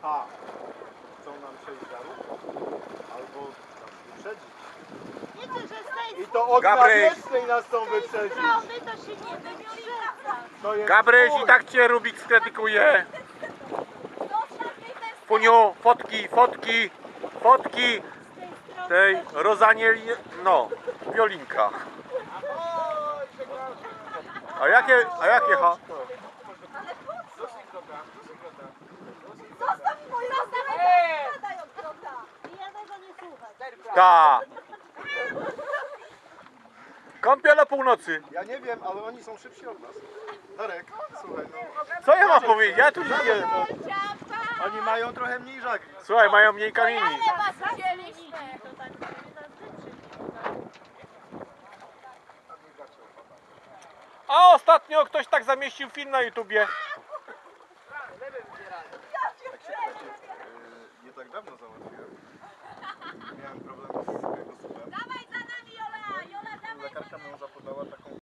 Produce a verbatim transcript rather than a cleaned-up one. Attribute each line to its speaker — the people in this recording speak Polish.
Speaker 1: A. Chcą nam przejść żarów, albo nas wyprzedzić.
Speaker 2: Wiecie, że z tej
Speaker 1: I to od
Speaker 3: Gabryś.
Speaker 1: Nawiecznej nas chcą wyprzedzić.
Speaker 2: strony to się nie wyprzedza.
Speaker 1: To jest
Speaker 3: Gabryś,
Speaker 1: twój.
Speaker 3: i tak cię Rubik skrytykuje. Puniu, fotki, fotki, fotki tej Rozanieli, no, Violinka. A jakie, a jakie ha?
Speaker 2: Zostaw moją zostaw od kota. I ja tego nie słucham.
Speaker 3: Ta. Kąpiel o północy.
Speaker 1: Ja nie wiem, ale oni są szybsi od nas. Darek, słuchaj, no.
Speaker 3: Co ja mam powiedzieć? Ja tu nie.
Speaker 1: Oni mają trochę mniej żagli.
Speaker 3: Słuchaj, mają mniej kamieni.
Speaker 2: Ale was chcieliśmy. To tak prawie nas wyprzedzi.
Speaker 3: A ostatnio ktoś tak zamieścił film na YouTubie.
Speaker 1: Tak się, tak się, yy, nie tak dawno załatwiłem. Miałem problem z kręgosłupem.